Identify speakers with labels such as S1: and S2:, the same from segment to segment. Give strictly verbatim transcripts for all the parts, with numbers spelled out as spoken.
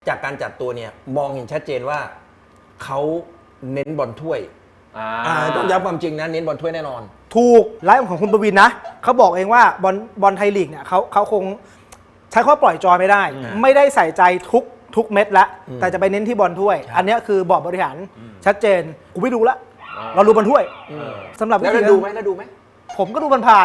S1: จากการจัดตัวเนี่ยมองเห็นชัดเจนว่าเขาเน้นบอลถ้วยต้องย้ำความจริงนะเน้นบอลถ้วยแน่นอน
S2: ถูกไลฟ์ของคุณประวินนะเขาบอกเองว่าบอลบอลไทยลีกเนี่ยเขาเขาคงใช้ข้อปล่อยจอยไม่ได้ไม่ได้ใส่ใจทุกทุกเม็ดละแต่จะไปเน้นที่บอลถ้วยอันนี้คือบอร์ดบริหารชัดเจนกูไม่ดูละเราดูบอลถ้วยสำหรับ
S1: แล้วดูไหมแล้วดูไหม
S2: ผมก็ดูมันผ่าน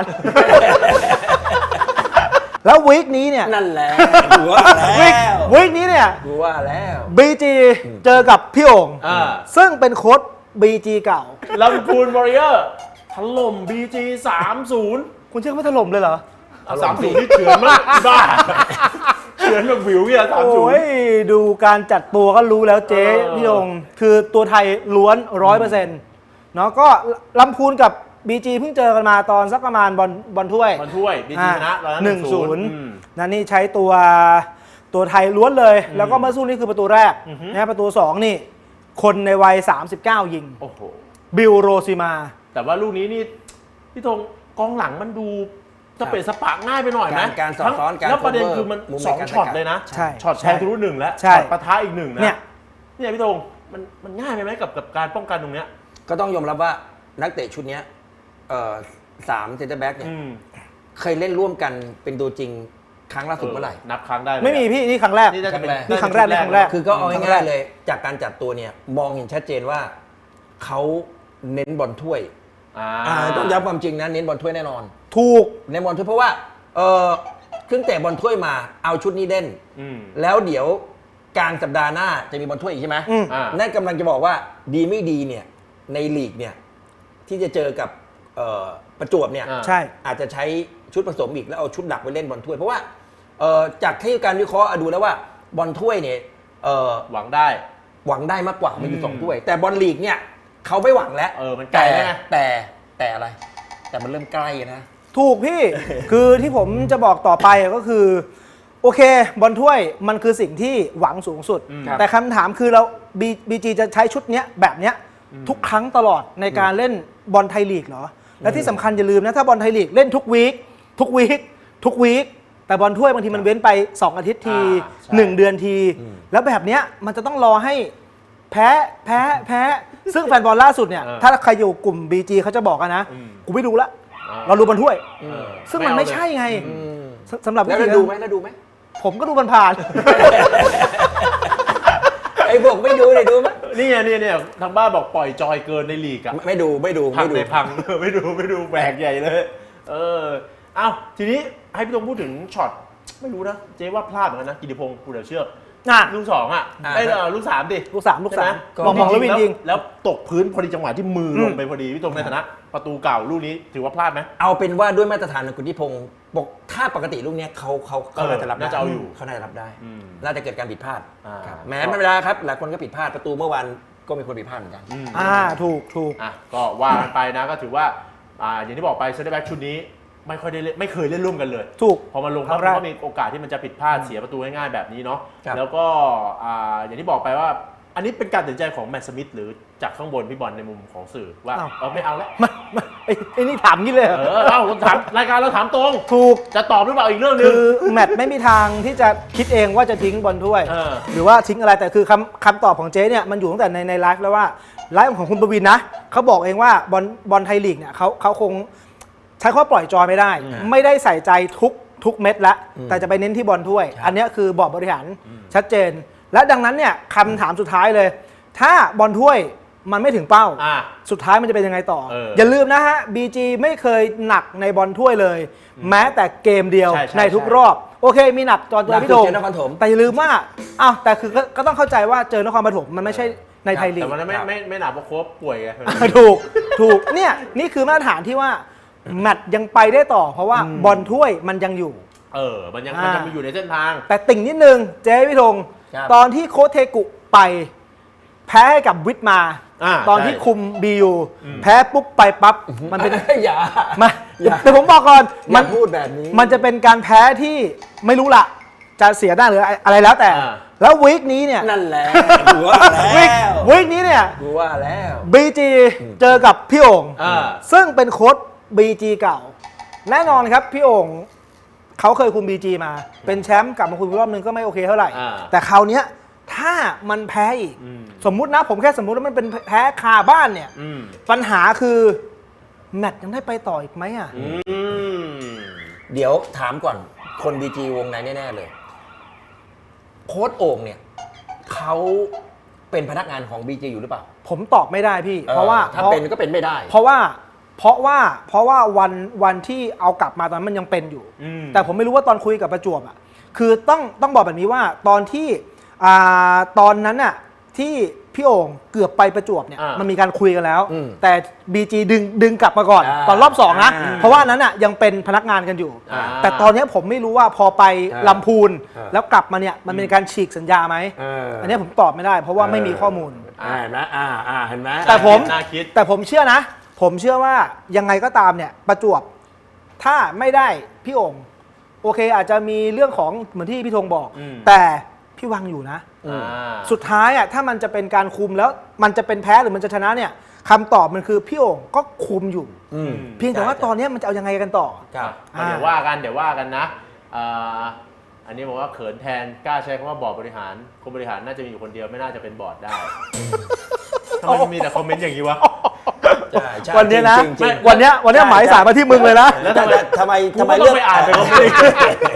S2: แล้ววีคนี้เนี่ย
S1: นั่นแหละดูว่าแล้ว
S2: วีคนี้เนี่ย
S1: ดูว่าแล้ว
S2: บี จี เจอกับพี่โอ่งซึ่งเป็นโค้ช บี จี เก่า
S3: ลำพูนวอริเออร์ถล่ม บี จี สาม ศูนย์
S2: คุณเชื่อไม่ถล่มเลยเหรอ
S3: สาม ศูนย์นี่เฉือนมากบ้าเฉือนแบบวิวเนี่ยสาม ศูนย์
S2: โอ้ยดูการจัดตัวก็รู้แล้วเจ๊พี่โอ่งคือตัวไทยล้วน ร้อยเปอร์เซ็นต์ เนาะก็ลำพูนกับ บี จี เพิ่งเจอกันมาตอนสักประมาณบอลบอลถ้วย
S3: บอลถ้วย บี จี ชนะ
S2: หนึ่งศูนย์นั่นนี่ใช้ตัวตัวไทยล้วนเลยแล้วก็เมื่อสู้นี่คือประตูแรกนะประตูสองนี่คนในวัยสามสิบเก้ายิง
S3: โอ้โห
S2: บิลโรซิมา
S3: แต่ว่าลูกนี้นี่พี่ธงกองหลังมันดูจะเป็นสปะง่ายไปหน่อยไหม
S1: การสอดซ้อนการ
S3: แล้วประเด็นคือมันสองช็อตเลยนะช็อตแทงทะลุหนึ่งแล้วช็อตปะทะอีกหนึ่งนะเนี่ยเนี่ยพี่ธงมันมันง่ายไปไหมกับกับการป้องกันตรงเนี้ย
S1: ก็ต้องยอมรับว่านักเตะชุดนี้เอ่อสามเซนเตอร์แบ็กเนี่ยเคยเล่นร่วมกันเป็นตัวจริงครั้งล่าสุดเมื่อไหร่
S3: นับครั้งได้
S2: ไม่มีพี่นี่ครั้งแรก
S3: นี่ครั้งแรก
S2: นี่ครั้งแรกนี่ครั้งแรก
S1: คือก็เอาง่ายๆเลยจากการจัดตัวเนี่ยมองเห็นชัดเจนว่าเขาเน้นบอลถ้วยต้องย้ำความจริงนะเน้นบอลถ้วยแน่นอน
S2: ถูก
S1: เน้นบอลถ้วยเพราะว่าเออเครื่องเตะบอลถ้วยมาเอาชุดนี้เล่นแล้วเดี๋ยวกลางสัปดาห์หน้าจะมีบอลถ้วยอีกใช่ไหมนั่นกำลังจะบอกว่าดีไม่ดีเนี่ยในลีกเนี่ยที่จะเจอกับประจวบเนี่ย
S2: ใช่
S1: อาจจะใช้ชุดผสมอีกแล้วเอาชุดหลักไปเล่นบอลถ้วยเพราะว่าจากที่การวิเคราะห์ดูแล้วว่าบอลถ้วยเนี่ย
S3: หวังได้
S1: หวังได้มากกว่ามันอยู่สองถ้วยแต่บอลลีกเนี่ยเขาไม่หวังแล้ว
S3: เออมันไกล
S1: แต่แต่แต่อะไรแต่มันเริ่มใกล้นะ
S2: ถูกพี่ คือที่ผมจะบอกต่อไปก็คือโอเคบอลถ้วยมันคือสิ่งที่หวังสูงสุดแต่คำถามคือเรา บี จี จะใช้ชุดเนี้ยแบบเนี้ยทุกครั้งตลอดในการเล่นบอลไทยลีกเหรอและที่สำคัญอย่าลืมนะถ้าบอลไทยลีกเล่นทุกวีคทุกวีคทุกวีคแต่บอลถ้วยบางทีมันเว้นไปสองอาทิตย์ทีหนึ่งเดือนทีแล้วแบบเนี้ยมันจะต้องรอให้แพ้แพ้แพ้ซึ่งแฟนบอลล่าสุดเนี่ยถ้าใครอยู่กลุ่ม บี จี เขาจะบอกกันนะกูไม่ดูละเราดูบอลถ้วยซึ่งมันไม่ใช่ไงสำหรับ
S1: แล้วดูไหมแล้วดูไหม
S2: ผมก็ดูมันผ่าน
S1: ไอ้พวกไม่ดูเลยดูไหม
S3: นี่เนี่ยนี่เนี่ยทางบ้านบอกปล่อยจอยเกินในลีกอะ
S1: ไม่ดูไม่ดู
S3: พังในพังไม่ดูไม่ดูแบกใหญ่เลยเออเอ้าทีนี้ให้พี่ตงพูดถึงช็อตไม่รู้นะเจ๊ว่าพลาดเหมือนกันนะกิติพงศ์ภูเดชเชือกลูกสองอ่ะไอ้ลูกสามดิ
S2: ลูกสามลูกสามมองมองแล้ววินยิง
S3: แล้วตกพื้นพอดีจังหวะที่มือลงไปพอดีพี่ตงในฐานะประตูเก่าลูกนี้ถือว่าพลาดไหม
S1: เอาเป็นว่าด้วยมาตรฐานของกิติพงศ์บอกถ้าปกติลูกนี้เขาเขาเขาน่าจะรับได้เขาน่าจะรับได้น่าจะเกิดการผิดพลาดแม้ไม่เป็นไรครับหลายคนก็ผิดพลาดประตูเมื่อวานก็มีคนผิดพลาดเหมือนกัน
S2: อ่าถูกถูก
S3: อ่ะก็ว่ากันไปนะก็ถือว่าอ่าอย่างที่บอกไปเซนเตอร์แบ็กชุดนี้ไม่ค่อยได้เล่นไม่เคยเล่นร่วมกันเลย
S2: ถูก
S3: พอมาลงแล้วก็มีโอกาสที่มันจะผิดพลาดเสียประตูง่ายๆแบบนี้เนาะแล้วก็อ่าอย่างที่บอกไปว่าอันนี้เป็นการตัดสินใจของแมตต์สมิธหรือจากข้างบนพี่บอลในมุมของสื่อว่าเออไม่เอาแล้ว
S2: ไอ้นี่ถามงี้เลย
S3: เออเอาถามรายการเราถามตรง
S2: ถูก
S3: จะตอบหรือเปล่าอีกเรื่องนึง
S2: คือแมตต์ไม่มีทางที่จะคิดเองว่าจะทิ้งบอลถ้วยหรือว่าทิ้งอะไรแต่คือคำคำตอบของเจ๊เนี่ยมันอยู่ตั้งแต่ในในไลฟ์แล้วว่าไลฟ์ของคุณประวินนะเขาบอกเองว่าบอลบอลไทยลีกเนี่ยเขาเขาคงใช้ข้อปล่อยจอยไม่ได้ไม่ได้ใส่ใจทุกทุกเม็ดละแต่จะไปเน้นที่บอลถ้วยอันนี้คือบอร์ดบริหารชัดเจนและดังนั้นเนี่ยคำถามสุดท้ายเลยถ้าบอลถ้วยมันไม่ถึงเป้าสุดท้ายมันจะเป็นยังไงต่ออย่าลืมนะฮะ บี จี ไม่เคยหนักในบอลถ้วยเลยแม้แต่เกมเดียวในทุกรอบโอเคมีหนักตอนเจอพี่โดมแต่อย่าลืมว่าอ้าวแต่คือก็ต้องเข้าใจว่าเจอนครปฐมมันไม่ใช่ในไทยลีก
S3: แต่มันไม่ไม่ไม่หนักเพราะโค้ชป่วยไง
S2: ถูกถูกเนี่ยนี่คือมาตรฐานที่ว่าแมตช์ยังไปได้ต่อเพราะว่าบอลถ้วยมันยังอยู่
S3: เออมันยังมันยังอยู่ในเส้นทาง
S2: แต่ติ่งนิดนึงเจ๊พี่ธงตอนที่โค้ชเทกุไปแพ้ให้กับวิทมาตอนที่คุมบียูแพ้ปุ๊บไปปั๊บมันเป็น
S1: อย่า
S2: มาแต่ผมบอกก่อน
S1: มันพูดแบบนี้
S2: มันจะเป็นการแพ้ที่ไม่รู้ละจะเสียได้หรืออะไรแล้วแต่แล้ววีคนี้เนี่ย
S1: นั่นแหละดูว่าแล้ว
S2: วีคนี้เนี่ย
S1: ดูว่าแล้ว
S2: บี จี เจอกับพี่โอ่งซึ่งเป็นโค้ช บี จี เก่าแน่นอนครับพี่โอ่งเขาเคยคุม บี จี มาเป็นแชมป์กลับมาคุมรอบนึงก็ไม่โอเคเท่าไหร่แต่คราวนี้ถ้ามันแพ้อีกสมมุตินะผมแค่สมมุติว่ามันเป็นแพ้คาบ้านเนี่ยปัญหาคือแมตช์ยังได้ไปต่ออีกไหมอ่ะ
S1: เดี๋ยวถามก่อนคนบีจีวงในแน่ๆเลยโค้ชโอ่งเนี่ยเขาเป็นพนักงานของ บี จี อยู่หรือเปล่า
S2: ผมตอบไม่ได้พี่เพราะว่า
S1: ถ้าเป็นก็เป็นไม่ได้
S2: เพราะว่าเพราะว่าเพราะว่าวันวันที่เอากลับมาตอนนั้นมันยังเป็นอยู่แต่ผมไม่รู้ว่าตอนคุยกับประจวบอ่ะคือต้องต้องบอกแบบนี้ว่าตอนที่อ่าตอนนั้นน่ะที่พี่โอ่งเกือบไปประจวบเนี่ยมันมีการคุยกันแล้วแต่ บี จี ดึงดึงกลับมาก่อนตอนรอบสองนะเพราะว่านั้นน่ะยังเป็นพนักงานกันอยู่แต่ตอนนี้ผมไม่รู้ว่าพอไปลำพูนแล้วกลับมาเนี่ยมันเป็นการฉีกสัญญาไหมอันนี้ผมตอบไม่ได้เพราะว่าไม่มีข้อมูล
S1: เห็นไหมอ่าอ่าเห็นไหม
S2: แต่ผมแต่ผมเชื่อนะผมเชื่อว่ายังไงก็ตามเนี่ยประจวบถ้าไม่ได้พี่โอ่งโอเคอาจจะมีเรื่องของเหมือนที่พี่ธงบอกแต่พี่วังอยู่นะสุดท้ายอ่ะถ้ามันจะเป็นการคุมแล้วมันจะเป็นแพ้หรือมันจะชนะเนี่ยคำตอบมันคือพี่โอ่งก็คุมอยู่เพียงแต่ว่าตอนนี้มันจะเอายังไงกันต่อ
S3: เดี๋ยวว่ากันเดี๋ยวว่ากันนะอันนี้บอกว่าเขินแทนกล้าใช้คำว่าบอร์ดบริหารคนบริหารน่าจะมีอยู่คนเดียวไม่น่าจะเป็นบอร์ดได้ทำไมมีแต่คอมเมนต์อย่างนี้วะ
S2: วันนี้นะวันนี้วันนี้หมายสารมาที่มึงเลยนะ
S1: แล้วทำไมทำไมทำไม
S3: เรื่องไปอ่านไปคอมเมนต์